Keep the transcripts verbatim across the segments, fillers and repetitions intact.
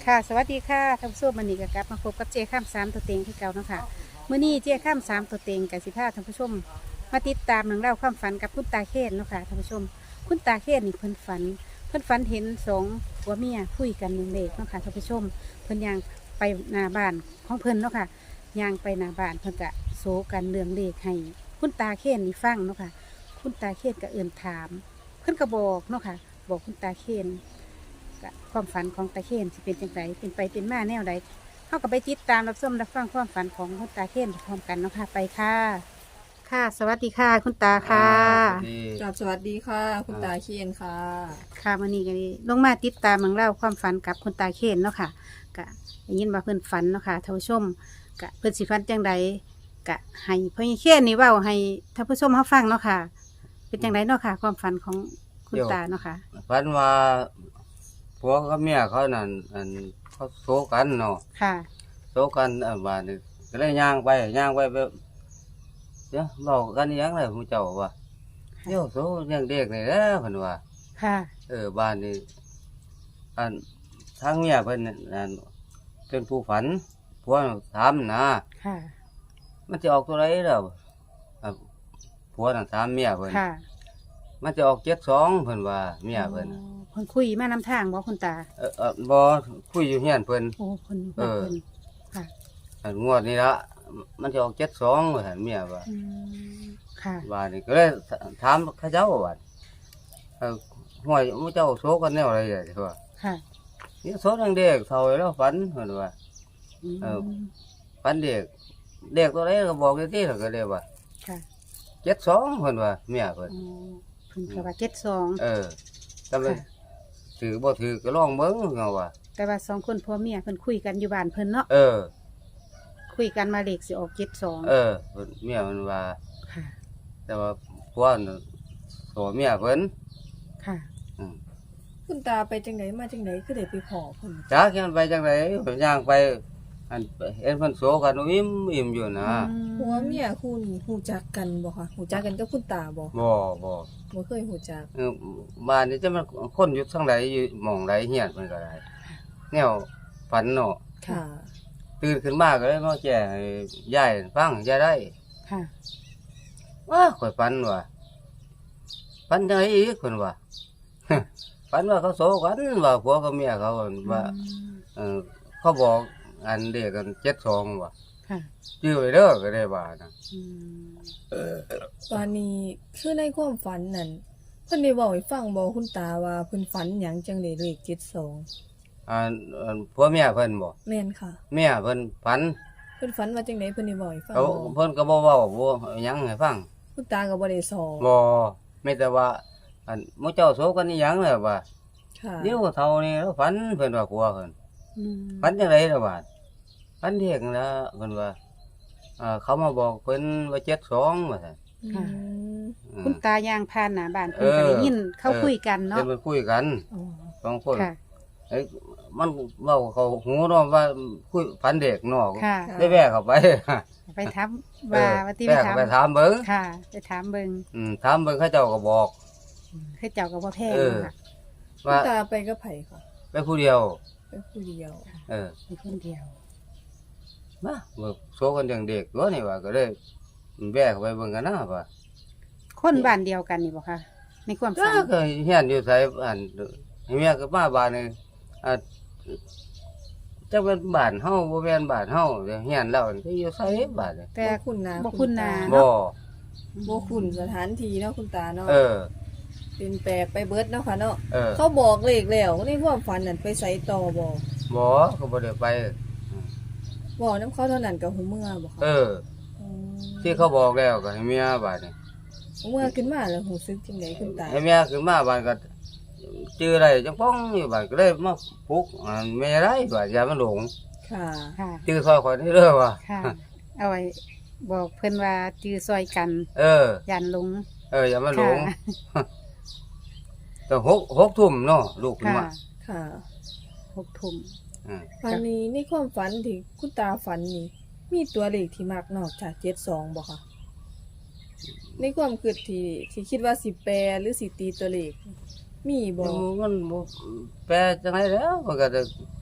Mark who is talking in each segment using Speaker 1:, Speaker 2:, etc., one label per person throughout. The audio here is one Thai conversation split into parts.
Speaker 1: ค่ะสวัสดีค่ะท่านผู้ชมวันนี้ก็กลับมาพบกับเจ้ข้ามสามตัวเต็งที่เก่าเนาะค่ะเมื่อนี้เจ้ข้ามสามตัวเต็งกับสิพาท่านผู้ชมมาติดตามเรื่องเล่าวความฝันกับคุณตาเคนเนาะค่ะท่านผู้ชมคุณตาเคนนี่เพิ่นฝันเพิ่นฝันเห็นสองผัวเมียคุยกันเรื่องเลขเนาะค่ะท่านผู้ชมเพิ่นย่างไปหน้าบ้านของเพิ่นเนาะค่ะย่างไปหน้าบ้านเพิ่นกะโซกันเรื่องเลขให้คุณตาเคนนี่ฟังเนาะค่ะคุณตาเคนก็เอื่นถาม เพิ่นก็บอกเนาะค่ะบอกคุณตาเคนก็ความฝันของตาเคนสิเป็นจังไดเป็นไปเป็นมาแนวใดเฮาก็ไปติดตามรับชมรับฟังความฝันของคุณตาเคนพร้อมกันเนาะค่ะไปค่ะ ค่ะ สวัสดีค่ะ คุณตาค่ะ
Speaker 2: ดี
Speaker 3: กราบสวัสดีค่ะ คุณตาเคียนค่ะ
Speaker 1: ค่ะวันนี้ก็ลงมาติดตามเรื่องเล่าวความฝันกับคุณตาเคนเนาะค่ะก็ได้ยินว่าเพิ่นฝันเนาะค่ะท่านผู้ชมก็เพิ่นสิฝันจังใดก็ให้พ่อใหญ่เคนนี่เว้าให้ท่านผู้ชมเฮาฟังเนาะค่ะ เป็นจังไดเนาะค่ะ ความฝันของคุณตาเนาะค่ะ
Speaker 2: ฝันว่าผัวกับเมียเขานั่นอันเขาโซกันเนาะ
Speaker 1: ค่ะ
Speaker 2: โซกันอ่าบาดนี้ก็เลยย่างไปย่างไปแบบเดี๋ยวบอกกันอีหยังเลยผู้เจ้าว่าเดี๋ยวโซเลี้ยงเด็กนี่แหละเพิ่นว่า
Speaker 1: ค่ะ
Speaker 2: เออบ้านนี้อันทางเมียเพิ่นนั่นอันเป็นผู้ฝันผัวถามนะ
Speaker 1: ค่ะ
Speaker 2: มันจะออกตัวไหนแล้วอ่ะผัวน่ะถามเมียเพิ่น
Speaker 1: ค่ะ
Speaker 2: มันจะออกเจ็ดสองเพิ่นว่าเมียเพิ่นน่ะ
Speaker 1: อ๋อเพิ่นคุยมานำทางบ่คุณตา
Speaker 2: เออเออบ่คุยอยู่เฮียนเพิ่น
Speaker 1: โอ้เพิ่น
Speaker 2: เออ
Speaker 1: เพิ่นค่ะ
Speaker 2: อันงวดนี้ละมันจะออกเจ็ดสองว่าหั่นเมียว่า
Speaker 1: อืมค่ะ
Speaker 2: ว่านี่ก็เลยถามเขาเจ้าว่าเออห้วยมูเจ้าโซกันแนวอะไรอย่างนี้ว่า
Speaker 1: ค่ะ
Speaker 2: นี่โซนังเด็กเท่าแล้วฝันเพิ่นว่า
Speaker 1: ม
Speaker 2: เออ ฝันเด็กเด็กตัวไหนก็บอกได้ที่แล้วก็เลยว่า
Speaker 1: ค่ะ
Speaker 2: เจ็ดสองเพิ่นว่าเมียเพิ่น
Speaker 1: อ๋อเพิ่นก็ว่าเจ็ดสอง
Speaker 2: เออแต่มันถือบ่ถือก็ลองเบิ่งเงาว่า
Speaker 1: แต่ว่าสองคนผัวเมียเพิ่นคุยกันอยู่บ้านเพิ่นเนาะ
Speaker 2: เออ
Speaker 1: คุยกันมาเลขสิออกเจ็ดสอง
Speaker 2: เออเพิ่นเมียมันว่า
Speaker 1: ค่ะ
Speaker 2: แต่ว่าผัวน่ะโสเมียเพิ่น
Speaker 1: ค่ะ
Speaker 2: อืม
Speaker 3: คุณตาไปจังไหนมาจังไหนก็ได้ไปขอเพิ่น
Speaker 2: จักยังไปจังไดเพิ่นย่างไปอันเห็นเพิ่นโสกันอิ่มอิ่มอยู่นะ
Speaker 3: ผัวเมียคุณหูจักกันบ่คะหูจักกันกับคุณตาบ่
Speaker 2: บ่บ่
Speaker 3: บ่เคยหูจัก
Speaker 2: เออบ้านนี้จะมันคนอยู่ทางใดอยู่หม่องใดเฮียนมันก็ได้แนวฝันเนาะ
Speaker 3: ค่ะ
Speaker 2: ตื่นขึ้นมาก็เลยมาแจ้งให้ยายฟังยายได้
Speaker 1: ค่ะ
Speaker 2: ว่าข่อยฝันว่าฝันจังไดอีกเพิ่นว่า ฝันว่าเขาโสกันว่าผัวกับเมียเขาว่า เออเขาบอกอันเด็กกันเจ็ดสองว่ะ
Speaker 1: ค่ะ
Speaker 2: ชื่อไปเด้อก็ได้ว่านะ
Speaker 1: อืม
Speaker 3: ตอนนี้คือในความฝันนั่นเพิ่นได้บอกให้ฟังบ่คุณตาว่าเพิ่นฝันหยังจังได้เลขเจ็ดสอง
Speaker 2: อันอันผัวเมียเพิ่นบอก
Speaker 3: แม่นค่ะ
Speaker 2: เมียเพิ่นฝัน
Speaker 3: เพิ่นฝันว่าจังไดเพิ่นได้บอกให้ฟัง
Speaker 2: เขา
Speaker 3: บ่
Speaker 2: เพิ่นก็บ่เว้าบ่หยังให้ฟัง
Speaker 3: คุณตาก็บ่ได้สอน
Speaker 2: บ่มีแต่ว่า อันหมู่เจ้าโสกันอีหยังล่ะว่า
Speaker 3: ค่ะ
Speaker 2: เดี๋ยวเท่านี้แล้วฝันเพิ่นว่าผัวเพิ่น
Speaker 1: อืม
Speaker 2: ฝันจังไดล่ะว่าฝันเด็กนั่นล่ะเพิ่นว่าอ่าเขามาบอกเพิ่นว่าเจ็ดสองว่าซั่น
Speaker 3: อืม
Speaker 2: อืม
Speaker 1: คุณตายางพานหน้าบ้านเพิ่นก็ได้ยินเขา
Speaker 2: เออ
Speaker 1: คุยกันเนาะ
Speaker 2: เพิ่นไปคุยกัน
Speaker 3: อ๋อ
Speaker 2: สองคน
Speaker 1: ค่ะ
Speaker 2: เอ้ยมันเว้าเขาหูเนาะว่าคุยฝันเด็กเนาะ
Speaker 1: ค่ะ
Speaker 2: ได้แวะเข้าไป
Speaker 1: ไปถามว่าว่าที่
Speaker 2: แวะ
Speaker 1: ไป
Speaker 2: เข้า
Speaker 1: ถาม
Speaker 2: ไปถามเบิ่ง
Speaker 1: ค่ะ ไปถามเบิ่ง
Speaker 2: อืมถามเบิ่งเขาเจ้าก็บอก
Speaker 1: คือเจ้าก็บ่แพ้
Speaker 2: เออ
Speaker 1: ค่ะ
Speaker 3: คุณ
Speaker 2: ว่า
Speaker 3: ตาไปกับไผค่ะ
Speaker 2: ไปผู้เดียว
Speaker 3: ไปผู้เดียว
Speaker 2: เออ
Speaker 1: เป็นคนเดียว
Speaker 2: มาเบิ่งโซกันอย่างเด็กตัวนี่ว่าก็เลยแวะเข้าไปเบิ่งกันนะว่า
Speaker 1: คนบ้านเดียวกันนี่บ่คะในความ
Speaker 2: จ้า
Speaker 1: ฝัน
Speaker 2: ก็เฮียนอยู่ไสอันเมียก็มาบ้านนี่อ่าจักเป็นบ้านเฮาบ่แม่นบ้านเฮาเดี๋ยวเฮียนเรานี่อยู่ไสบ้านนี่
Speaker 1: แต่
Speaker 3: บ่คุ้นหน้า
Speaker 1: บ่คุ้นหน้า
Speaker 2: บ่
Speaker 3: บ่คุ้นสถานที่เนาะคุณตาเนาะ
Speaker 2: เออ
Speaker 3: เป็นแปลกไปเบิดเนาะค่ะเนาะ
Speaker 2: เออ
Speaker 3: เขาบอกเลขแล้วในความฝันนั่นไปใส่ต่อบ่
Speaker 2: บ่ก็บ่ได้ไป
Speaker 3: บอกน้ำเขาเท่านั้นกับหูเมื่อบ่ค่ะ
Speaker 2: เออ
Speaker 3: ม
Speaker 2: ที่เขาบอกแล้วก็ให้เมียบ้านนี่
Speaker 3: หูเมื่อขึ้นมาแล้วหูซึกจังไดคุณตา
Speaker 2: ให้เมียขึ้นมาบ้านก็จื้อได้จังป้องอยู่บ้านก็เลยมาปลุกอ่าแม่ได้บ้านอย่ามันหลง
Speaker 3: ค่ะ
Speaker 1: ค่ะ
Speaker 2: จื้อซอยข่อยนี่เด้อว่า
Speaker 1: ค่ะ เอาไว้บอกเพิ่นว่าจื้อซอยกัน
Speaker 2: เออ
Speaker 1: ยันหลง
Speaker 2: เอออย่ามันหลง
Speaker 1: ค่ะ
Speaker 2: แต่หกหกทุ่มเนาะลูกขึ้น
Speaker 1: ค่ะ
Speaker 2: มา
Speaker 3: ค่ะ
Speaker 1: หกทุ่ม
Speaker 2: อืม
Speaker 3: วันนี้ในความฝันที่คุณตาฝันนี่มีตัวเลขที่มักนอกจากเจ็ดสองบ่ค่ะในความคิดที่ที่คิดว่าสิแปลหรือสิตีตัวเลขมีบ่
Speaker 2: มันบ่แปลจังไดแล้วมันก็จะ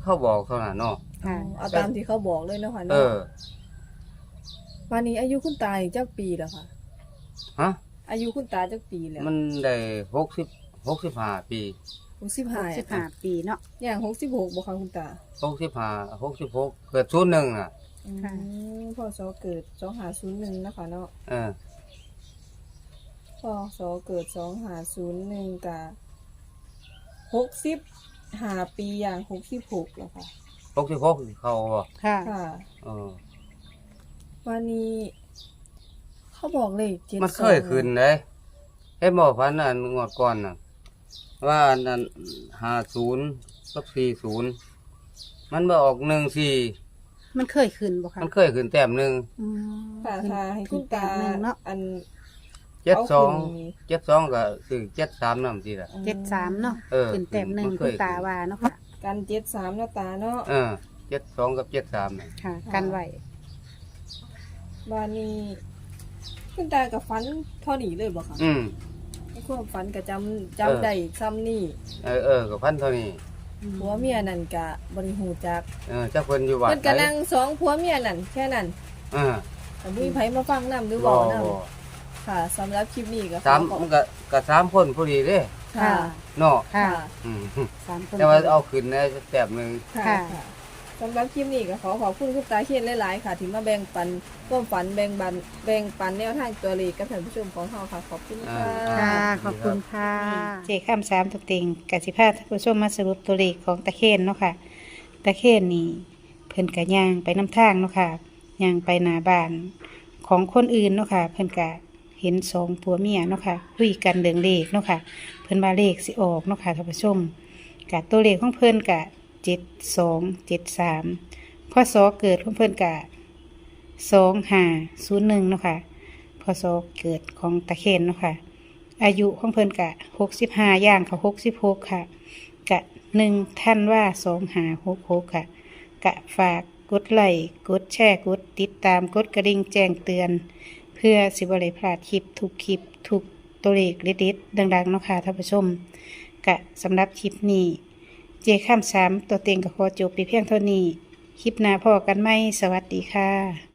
Speaker 2: เขาบอกเท่านั้นเนาะ
Speaker 1: ค่ะ
Speaker 3: เอาตามที่เขาบอกเลยเนาะค่ะ
Speaker 2: เอ
Speaker 3: เนาะ
Speaker 2: อ
Speaker 3: วันนี้อายุคุณตาจักปีแล้วค่ะ
Speaker 2: ฮะ
Speaker 3: อายุคุณตาจักปีแล้ว
Speaker 2: มันได้หกสิบหกสิบห้าปี
Speaker 3: หกสิบห้า
Speaker 1: สิบห้าปีเนาะ
Speaker 3: อย่างหกสิบหกบ่คะคุณตา
Speaker 2: หกสิบห้าหกสิบหกเกิดศูนย์หนึ่งอ่ะ
Speaker 3: อื
Speaker 1: ค่ะ
Speaker 3: มพศเกิดสองห้าศูนย์หนึ่งนะคะเนาะ
Speaker 2: เออ
Speaker 3: พศเกิดสองห้าศูนย์หนึ่งกะหกสิบห้าปีอย่างหกสิบหกแล้วค่ะ
Speaker 2: หกสิบหกเขาบ่
Speaker 1: ค่ะ
Speaker 3: ค่ะ
Speaker 2: เออ
Speaker 3: วันนี้ เขาบอกเลขเจ็ด
Speaker 2: มันเคยขึ้นเลยเห็นบ่พันอันงวดก่อนน่ะ ว่าอันนั้นห้าศูนย์กับสี่ศูนย์มันมาออกหนึ่งสี่
Speaker 1: มันเคยขึ้นบ่คะ
Speaker 2: มันเคยขึ้นแต้มหนึ่ง
Speaker 1: อืม
Speaker 3: ค่ะค่ะให้คุณตา
Speaker 1: ขึ้นแต้มหนึ่งเนาะ
Speaker 3: อัน
Speaker 2: เจ็ดสอง
Speaker 3: เอาขึ้น
Speaker 2: เจ็ดสองก็คือเจ็ดสามน้ำทีละ
Speaker 1: เจ็ดสามเนาะ
Speaker 2: เออ
Speaker 1: ขึ้นแต้มหนึ่ง
Speaker 2: มันเค
Speaker 1: คุ
Speaker 2: ย
Speaker 1: ณตาว่าเนาะค่ะ
Speaker 3: กันเจ็ดสามแล้วตาเนาะ
Speaker 2: เออเจ็ดสองกับเจ็ดสามน่ะ
Speaker 1: ค่ะ กันไว้
Speaker 3: วันนี้คุณตากับฟันเท่านี้เลยบ่คะ
Speaker 2: อืม
Speaker 3: ในความฝันก็จำ
Speaker 2: เออ
Speaker 3: จำได้ซ้ำนี่
Speaker 2: เออเออกับพันเท่านี้
Speaker 3: ผัวเมียนั่นกะบริหูจัก
Speaker 2: เออเจ้าเพิ่นอยู่วัด
Speaker 3: เพิ่นก็นั่งสองผัวเมียนั่นแค่นั้น
Speaker 2: เออ
Speaker 3: แต่บ่มีไผมาฟังนำหรือ
Speaker 2: บ่
Speaker 3: เว้านำ
Speaker 2: บ่
Speaker 3: ค่ะสำหรับคลิปนี้ก็ข
Speaker 2: สาม
Speaker 3: อขอบ
Speaker 2: มันก็ก็สามคนพอดีเด้
Speaker 3: ค่ะ
Speaker 2: เนาะ
Speaker 1: ค่ะ
Speaker 3: ค่ะ
Speaker 2: อืม
Speaker 1: สามคน
Speaker 2: แต่ว่าเอาขึ้นในแต้มหนึง
Speaker 3: ค่ะ
Speaker 1: ค่ะ
Speaker 3: ค่ะสำหรับคลิปนี้ก็ขอขอบคุณคุณตาเขียนหลายๆค่ะ ที่มาแบ่งปันความฝันแบ่งบันแบ่งปันแนวทางตัวเลขกับท่านผู้ชมของเฮาค่ะ ขอบคุณค่ะ
Speaker 1: ค่ะ ขอบคุณค่ะ เจข้ามสามตัวเต็งกสิภาท่านผู้ชมมาสรุปตัวเลขของตะเคียนเนาะค่ะ ตะเคียนนี่เพิ่นกะย่างไปน้ำทางเนาะค่ะย่างไปหน้าบ้านของคนอื่นเนาะค่ะ เพิ่นกะเห็นสองผัวเมียเนาะค่ะคุยกันเรื่องเลขเนาะค่ะ เพิ่นมาเลขสิออกเนาะค่ะท่านผู้ชมกะตัวเลขของเพิ่นกะเจ็ดสองเจ็ดสามพศเกิดของเพิ่นกะสองห้าศูนย์หนึ่งเนาะค่ะพศเกิดของตะเคียนเนาะค่ะ อายุของเพิ่นกะหกสิบห้าย่างเขาหกสิบหกค่ะ กะหนึ่งท่านว่าสองหาหกหกค่ะ กะฝากกดไลค์กดแชร์กดติดตามกดกระดิ่งแจ้งเตือน เพื่อสิบริพลาดคลิปทุกคลิปทุกตัวเลขเด็ดๆดังๆเนาะค่ะท่านผู้ชม กะสำหรับคลิปนี้ เจข้ามสามตัวเต็งกับขอจบไปเพียงเท่านี้ คลิปหน้าพอกันไหมสวัสดีค่ะ